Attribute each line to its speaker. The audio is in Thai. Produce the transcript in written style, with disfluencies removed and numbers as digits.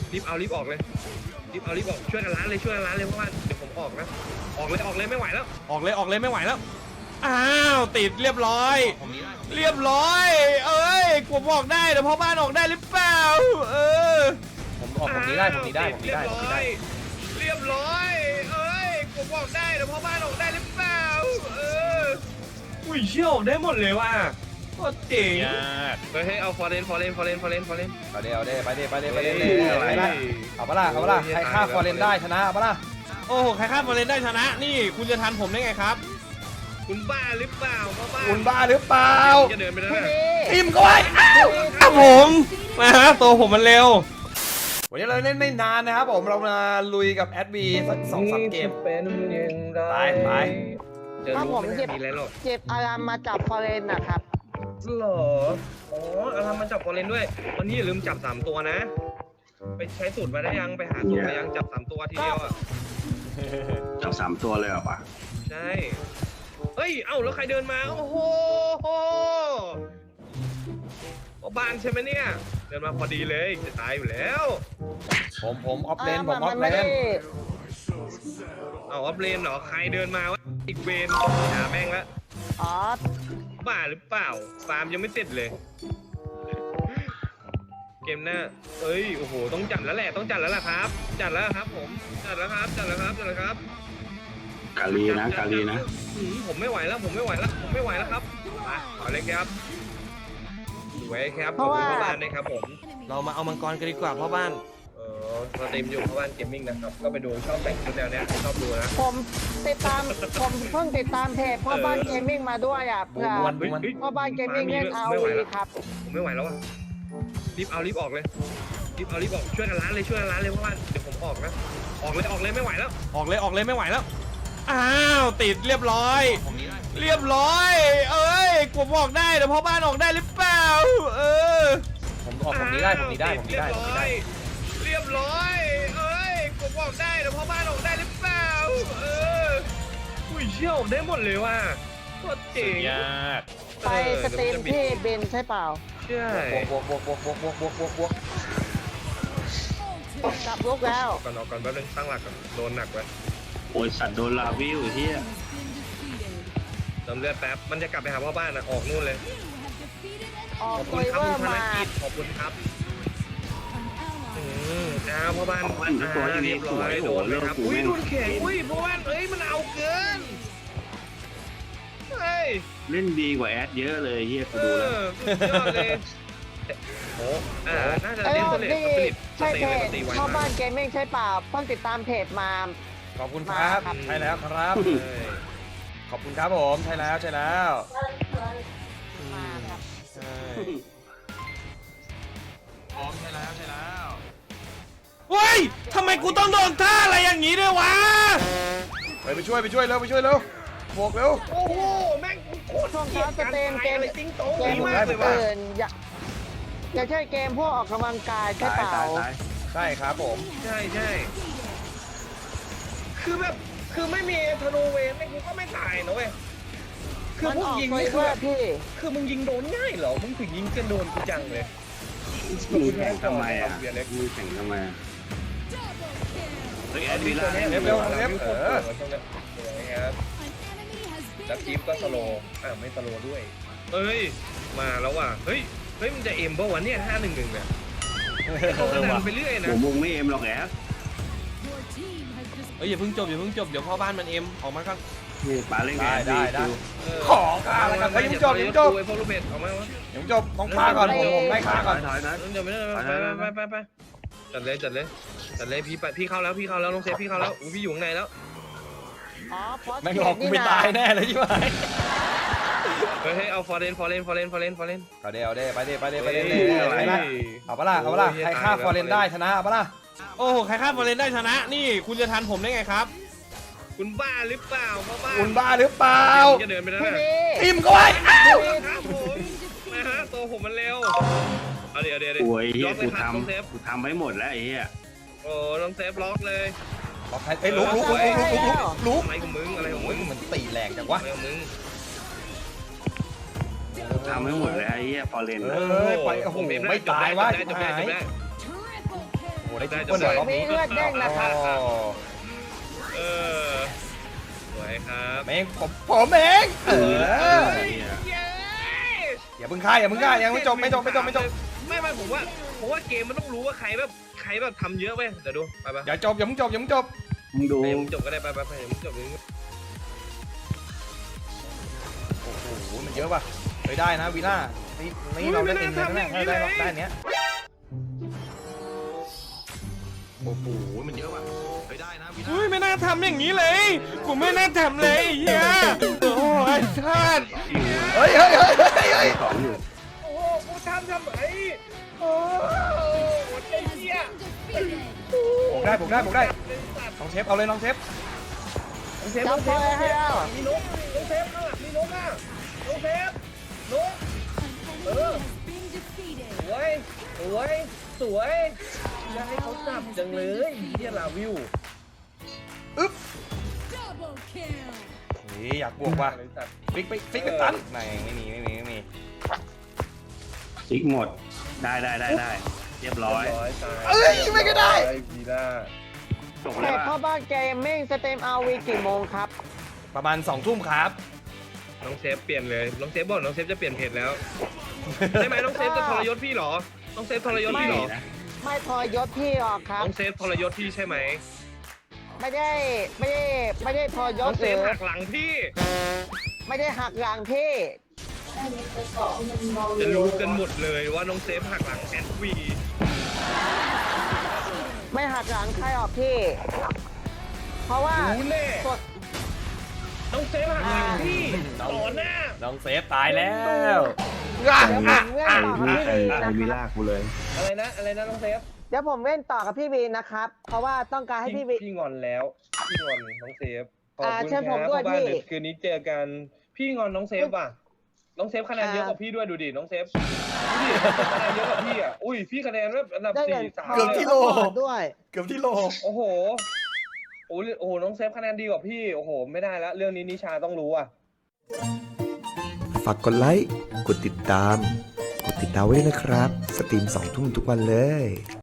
Speaker 1: รีบเอารีบออกเลยรีบเอารีบออกช่วยกันล้างเลยช่วยกันล้างเลยเพราะว่าเดี๋ยวผมออกนะออกเลยไม่ไหวแล้ว
Speaker 2: ออกเลยไม่ไหวแล้วอ้าวติดเรียบร้อยเรียบร้อยเอ้ยผมออกได้แต่พ่อบ้านออกได้หรือเปล่า
Speaker 3: ผมออกผมนี้ได้
Speaker 1: เรียบร้อยเอ้ยผมออกได้แต่พ่อบ้านออกได้หรือเปล่าอุ้ยเชี่ยวได้หมดเลยว่ะโคตรเจ๋งเฮ้ยเอาฟอร์เรนเอา
Speaker 3: เด้ไปเด้เอาปะล่ะใครฆ่าฟอร์เรนได้ชนะเอาปะล่ะ
Speaker 2: โอ้โหใครฆ่าฟอร์เรนได้ชนะนี่คุณจะทันผมได้ไงครับ
Speaker 1: คุณบ้าหรือเปล่าพ่อบ้าน
Speaker 3: คุณบ้าหรือเปล่า
Speaker 1: จะเดินไปแล้ว
Speaker 3: ทีมก็ไว้
Speaker 2: ครับผมมาฮะตัวผมมันเร็ว
Speaker 3: วันนี้เราเล่นไม่นานนะครับผมเรามาลุยกับแอดบีสัก2-3 เกมไป
Speaker 4: ถ้าผมเจ็บอารามมาจับฟอเรนนะครับ
Speaker 1: หรออ๋ออารามมาจับฟอเรนด้วยวันนี้อย่าลืมจับ3 ตัวนะไปใช้สูตรมาได้ยังไปหาสูตรมายังจับ3 ตัวทีเดียวอ่ะ
Speaker 5: จับ3 ตัวเลยเหรอปะ
Speaker 1: ใช่เฮ้ยเอ้าแล้วใครเดินมาโอ้โหบ้านใช่ไหมเนี่ยเดินมาพอดีเลยจะตายอยู่แล้ว
Speaker 3: ผมออฟเลน
Speaker 1: เอาออฟเลนเหรอใครเดินมาวะอีกเวนหาแม่งละบ้าหรือเปล่าฟาร์มยังไม่เสร็จเลยเกมหน้าเอ้ยโอ้โหต้องจัดแล้วแหละครับจัดแล้วครับผมจัดแล้วครับ
Speaker 5: กาลีนะ
Speaker 1: ผมไม่ไหวแล้วครับมาเอาเลยครับไว้ครับพ่อบ้านนะครับผม
Speaker 2: เรามาเอามังกรกันดีกว่าพ่อบ้าน
Speaker 1: เราเต็มอยู่พ่อบ้านเกมมิ่งนะครับก็ไปดูชอบแต่งชุดแนวนี้ชอบดูนะ
Speaker 4: ผมเพิ่งติดตามเพจพ่อบ้านเกมมิ่งมาด้วยอ่ะพ่อบ้านเกมมิ่งเล่นเอาครับ
Speaker 1: ผมไม่ไหวแล้วอ่ะรีบออกเลยช่วยกันล้างเลยเพราะว่าเดี๋ยวผมออกนะออกเลยไม่ไหวแล้ว
Speaker 2: ออกเลยไม่ไหวแล้วอ้าวติดเรียบร้อยเอ้ยผมออกได้แต่พ่อบ้านออกได้หรือเปล่า
Speaker 3: ผมออกผมนี้ได้
Speaker 1: เรียบร้อยเอ้ยผมออกได้แต่พ่อบ้านออกได้หรือเปล่าอุ้ยเชี่ยวได้หมดเลยว่ะโคตรเจ๋ง
Speaker 4: ไปสตรีมที่เบนใช่เปล่า
Speaker 1: ใช่
Speaker 3: บวก
Speaker 4: กลับลุกแล้ว
Speaker 1: ก่อนแป๊บนึงตั้งหลักก่อนโดนหนักไว้
Speaker 5: โอ้ยสัตว์โดนลาวิวเฮีย
Speaker 1: เติมเลือดแป๊บมันจะกลับไปหาพ่อบ้านนะออกนู่นเลย
Speaker 4: ขอบคุณครับคุณธนกิจ
Speaker 1: ขอบคุณครับพ่อบ้านเรียบร้อยโดนเลยครับอุ้ยโดนแข็งอุ้ยพ่อบ้านเอ้ยมันเอาเกิน
Speaker 5: เล่นดีกว่าแอดเยอะเลยเฮียกูดูแล้ว
Speaker 1: ยอดเลยโอ้น่าจะเล่นผลิต
Speaker 4: ใช่เพจพ่อบ้านเกมมิ่งใช่เปล่าเพิ่งติดตามเพจมา
Speaker 3: ขอบคุณครับใช่แล้วครับขอบคุณครับผมใช่แล้ว
Speaker 4: มาครับ
Speaker 3: พร้อมใช่แล้ว
Speaker 2: เฮ้ยทำไมกูต้องโดนท่าอะไรอย่างนี้ด้วยวะ
Speaker 3: ไปช่วยเร็วบวกเร็ว
Speaker 1: โอ้โหแม่งโคตร
Speaker 4: ช่วงเช้าจะเต็มเกม
Speaker 1: ติ้งโต๊ะมากเลยว่ะ
Speaker 4: อย่าใช่เกมพวกออกกำลังกายใช่เปล่า
Speaker 3: ใช่ครับผม
Speaker 1: ใช่คือไม่มีธนูเวนกูก็ไม่ตายนะเว้ยคือพวกยิงไม่คือมึงยิงโดนง่ายเหรอมึงถึงยิงกันโดนกูจังเลย
Speaker 5: มึงแข่งทำไมอ่ะมึงแข่งทำไมเฮ้ยแอดมิน
Speaker 3: เร็ว
Speaker 1: แล้วทีมก็สโลไม่สโลด้วยเอ้ยมาแล้วว่ะเฮ้ยมันจะเอ็มป่ะวะเนี่ย5-1เนี่ยเขาดันไปเรื่อยนะ
Speaker 5: ผมไม่เอ็มหรอกแอด
Speaker 2: อย่าเพิ่งจบเดี๋ยวพ่อบ้านมันเอ็มออกมาก่อน
Speaker 5: นี่ปาเล่น
Speaker 3: ได้ขอข้าอะไรกันยังจบ
Speaker 1: ไอ้พวกลูกเบ็ดออกมา
Speaker 3: ยังจบต้องฆ่าก่อนผมไล่ฆ่าก่อน
Speaker 1: ถอยเดี๋ยวไปจัดเลยพี่เข้าแล้วน้องเซฟพี่เข้าแล้วพี่อยู่ข้างในแล้ว
Speaker 3: ไม่หลอกกูไม่ตายแน่เลยใช่ไหม
Speaker 1: เฮ้ยเอาฟอร์เรน
Speaker 3: เอาเด้ไปเด้เอาปะล่ะใครฆ่าฟอร์เรนได้ชนะเอาปะล่ะ
Speaker 2: โอ้โหใครฆ่าฟอร์เรนได้ชนะนี่คุณจะทันผมได้ไงครับ
Speaker 1: คุณบ้าหรือเปล่าพ่อบ้า
Speaker 3: คุณบ้าหรือเปล่า
Speaker 1: จะเดินไปแล้ว
Speaker 3: ทีมก็ไว้
Speaker 1: ครับผมนะฮะตัวผมมันเร็วเอาเดี๋ยว
Speaker 5: โอ้ยเฮียกูทำไว้หมดแล้วไอ้เฮีย
Speaker 1: โอ้ต้องเซฟล็อกเลย
Speaker 3: ล็อกใครไอ้ลุก
Speaker 1: อะไรของมึง
Speaker 3: มันตีแรงจังวะ
Speaker 5: ทำให้หมดเลยไอ้เหี้ยฟอร์เรน
Speaker 3: ไปโอ้โหไม่ตายวะหายโอ้ได้
Speaker 1: ได้
Speaker 3: ทุกคนเลยรอบนี้
Speaker 4: มีเลือดแดงนะครับ
Speaker 3: อ๋อ
Speaker 1: เออสวยครับ
Speaker 3: เองผมเอง
Speaker 1: เย้
Speaker 3: อย่าเพิ่งฆ่าอย่าเพิ่งฆ่ายังไม่จบไม่จบ
Speaker 1: ไม่ผมว่าเกมมันต้องรู้ว่าใครแบบทำเยอะเว้ยเดี๋ยวดูไป
Speaker 3: อย่าจบอย่าเพิ่งจบอย่าเพิ่งจบ
Speaker 5: มึงดู
Speaker 1: มึงจบก็ได้ไปเดี๋ยวมึงจบเลย
Speaker 3: โอ้โหมันเยอะป่ะเฮ้ยได้นะวีล่านี่เราได้เองเลยนะได้ได้เนี้ย
Speaker 5: โอ้โหมันเยอะว่ะไปได้นะวินา
Speaker 2: อุ้ยไม่น่าทำอย่างนี้เลย กูไม่น่าทำเลยไอ้เฮียโอ้ยชาติ
Speaker 3: เฮ้ย
Speaker 5: ของอยู่
Speaker 1: โอ้โหกูทำไมโอ้ไอ้เหี้ย
Speaker 3: ผมได้น้องเชฟเอาเลยน้องเชฟ
Speaker 4: จับพอยให้แล้ว
Speaker 1: มีนกน้องเซฟข้างหลังมีนกอ่ะน้องเซฟนกสวยอย่าให้เขาจับจังเลยเฮียลาวิว
Speaker 3: อึ๊บนี่อยากบวกว่ะฟิกไปตันไม่มี
Speaker 5: ซิกหมดได้เรียบร้อย
Speaker 3: เอ้ยไม่ก็ได้
Speaker 1: ดีน่า
Speaker 5: จบ
Speaker 4: เพ
Speaker 5: แล้ว
Speaker 4: จพ่อบ้านเกมมิ่งสเต็มเอาวีกี่โมงครับ
Speaker 3: ประมาณ2 ทุ่มครับ
Speaker 1: น้องเซฟเปลี่ยนเลยน้องเซฟบอกน้องเซฟจะเปลี่ยนเพจแล้วใช่ไหมน้องเซฟจะทรยศพี่เหรอน้องเซฟทรยศพี่เหรอ
Speaker 4: ไม่พอยศพี่หรอกครับ
Speaker 1: น้องเซฟทรยศพี่ใช่ไหม
Speaker 4: ไม่ได้พอย
Speaker 1: น้อ
Speaker 4: ศ
Speaker 1: งเซ
Speaker 4: หรื
Speaker 1: ฟ
Speaker 4: อ
Speaker 1: หักหลังพี่
Speaker 4: ไม่ได้หักหลังพี่
Speaker 1: จะรู้กันหมดเลยว่าน้องเซฟหักหลังแอดวี
Speaker 4: ไม่หักหลังใครหรอกพี่ เพราะว่า
Speaker 1: รู้แน่
Speaker 4: กด
Speaker 1: น้องเซฟหักหลังพี่ต่อหน้า
Speaker 3: น้องเซฟตายแล้ว
Speaker 4: เดี๋ยวผมเล่นต่อกับพี่วีนะ
Speaker 5: ไอ้วิ
Speaker 4: ค
Speaker 5: ลา
Speaker 4: รับ
Speaker 5: กูเลย
Speaker 1: อะไรนะน้องเซฟ
Speaker 4: เดี๋ยวผมเล่นต่อกับพี่วีนะครับ เพราะว่าต้องการให้พี่วี
Speaker 1: พี่งอนแล้วพี่งอนน้องเซฟขอบคุณ
Speaker 4: เชิญผม
Speaker 1: ครับ
Speaker 4: ด้วย
Speaker 1: พ่อบ้าน
Speaker 4: พี่
Speaker 1: เดี๋ยวคืนนี้เจอกันพี่งอนน้องเซฟว่ะน้องเซฟคะแนนเยอะกว่าพี่ด้วยดูดิน้องเซฟดูดิคะแนนเยอะกว่าพี่อ่ะอุ้ยพี่คะแนนแบบอันดับ
Speaker 4: ได้เงิน
Speaker 1: 4 3
Speaker 3: เกือบที่โล
Speaker 4: ด้วย
Speaker 3: เกือบที่โล
Speaker 1: โอ้โหโอ้โหน้องเซฟคะแนนดีกว่าพี่โอ้โหไม่ได้แล้วเรื่องนี้นิชาต้องรู้อ่ะ
Speaker 6: ฝากกดไลค์ กดติดตาม ไว้ด้วยนะครับ สตรีม2 ทุ่มทุกวันเลย